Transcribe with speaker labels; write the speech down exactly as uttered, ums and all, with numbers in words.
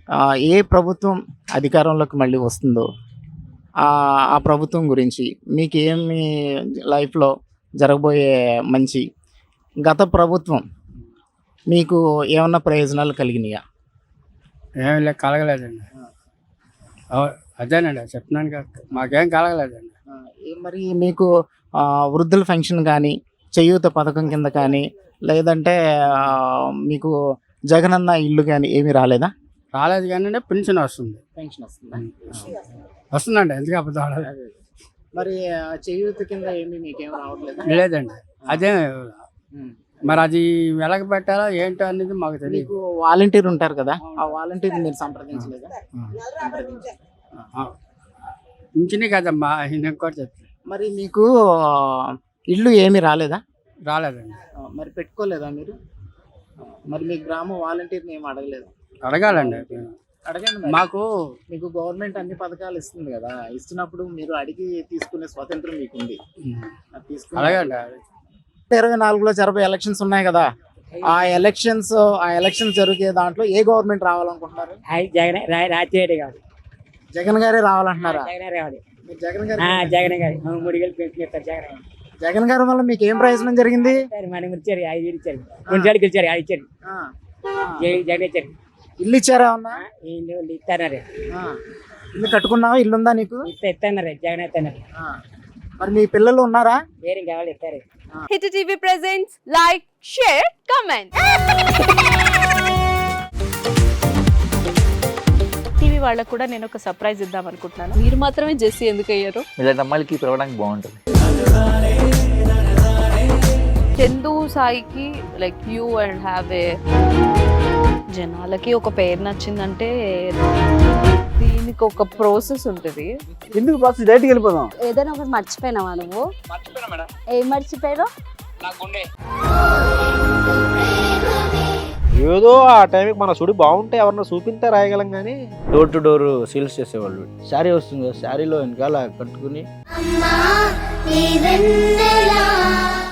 Speaker 1: ఏ ప్రభుత్వం అధికారంలోకి మళ్ళీ వస్తుందో ఆ ప్రభుత్వం గురించి మీకు ఏమి లైఫ్లో జరగబోయే మంచి, గత ప్రభుత్వం మీకు ఏమన్నా ప్రయోజనాలు కలిగినాయా?
Speaker 2: ఏమి లే కలగలేదండి. అదేనండి చెప్తున్నాను కదా, మాకేం కలగలేదండి.
Speaker 1: మరి మీకు వృద్ధుల ఫంక్షన్ కానీ, చేయూత పథకం కింద కానీ, లేదంటే మీకు జగనన్న ఇల్లు కానీ ఏమీ రాలేదా?
Speaker 2: రాలేదు కానీ పెన్షన్ వస్తుంది.
Speaker 1: పెన్షన్ వస్తుంది
Speaker 2: వస్తుందండి, ఎందుకు అబద్ధం?
Speaker 1: మరి చేయూత కింద ఏమి మీకేం రావట్లేదు?
Speaker 2: లేదండి. అదే మరి అది వెలగ పెట్టాలా ఏంటో అనేది మాకు తెలియదు.
Speaker 1: మీకు వాలంటీర్ ఉంటారు కదా, ఆ వాలంటీర్ మీరు సంప్రదించలేదా?
Speaker 2: ఇంచినే కదమ్మా, ఇంకోటి చెప్తాను.
Speaker 1: మరి మీకు ఇల్లు ఏమి రాలేదా?
Speaker 2: రాలేదండి.
Speaker 1: మరి పెట్టుకోలేదా మీరు? మరి మీ గ్రామ వాలంటీర్ని ఏమి అడగలేదు?
Speaker 2: అడగాలండి,
Speaker 1: అడగండి.
Speaker 2: మాకు
Speaker 1: మీకు గవర్నమెంట్ అన్ని పథకాలు ఇస్తుంది కదా, ఇస్తున్నప్పుడు మీరు అడిగి తీసుకునే స్వాతంత్రం మీకు ఉంది.
Speaker 2: అడగండి.
Speaker 1: ఇరవై నాలుగులో జరపే ఎలక్షన్స్ ఉన్నాయి కదా, ఆ ఎలక్షన్స్ ఆ ఎలక్షన్స్ జరిగే దాంట్లో ఏ గవర్నమెంట్ రావాలనుకుంటున్నారు?
Speaker 3: జగన్ రాజశేఖర్ గారు
Speaker 1: జగన్ గారే రావాలంటున్నారా?
Speaker 3: జగన్ గారు జగన్ గారు మూడు వేలు పెన్షన్ ఇస్తారు. జగన్
Speaker 1: జగన్ గారి వల్ల మీకు ఏం ప్రయోజనం జరిగింది?
Speaker 3: మనం ఇచ్చారు, ఐదు వేలు ఇచ్చారు, రెండు సార్లు గెలిచారు, ఐదు ఇచ్చారు, జగన్ ఇచ్చారు.
Speaker 1: ఇల్లు ఇచ్చారా? ఉన్నా
Speaker 3: ఇల్లు ఇస్తాన్నారు.
Speaker 1: ఇల్లు కట్టుకున్నావా? ఇల్లు ఉందా నీకు?
Speaker 3: ఇస్తున్నారు, జగన్ ఇస్తున్నారు.
Speaker 1: మరి మీ పిల్లలు ఉన్నారా?
Speaker 3: వేరే కావాలి, ఇస్తారు.
Speaker 4: Hit TV presents like, share, comment. TV వాళ్ళకు కూడా నేను ఒక సర్ప్రైజ్ ఇద్దాం అనుకుంటున్నాను. మీరు మాత్రమే జెస్సీ ఎందుకు అయ్యారు?
Speaker 5: ఇలాంటి అమ్మాయిలకి పిలవడానికి బాగుంటుంది.
Speaker 4: చందు సాయికి like you and have a, జనాలకి ఒక పేరు నచ్చిందంటే దీనికి ఒక ప్రాసెస్ ఉంటుంది.
Speaker 2: ఎందుకు ప్రాసెస్? డైరెక్ట్గా వెళ్ళిపోదాం.
Speaker 6: ఏదైనా ఒకటి మర్చిపోయినావా నువ్వు? ఏం మర్చిపోయావు?
Speaker 7: ఏదో ఆ టైంకి మన సుడి బాగుంటే ఎవరన్నా చూపింతే రాయగలం కానీ
Speaker 5: డోర్ టు డోర్ సేల్స్ చేసేవాళ్ళు. శారీ వస్తుంది, శారీలో వెనకాల కట్టుకుని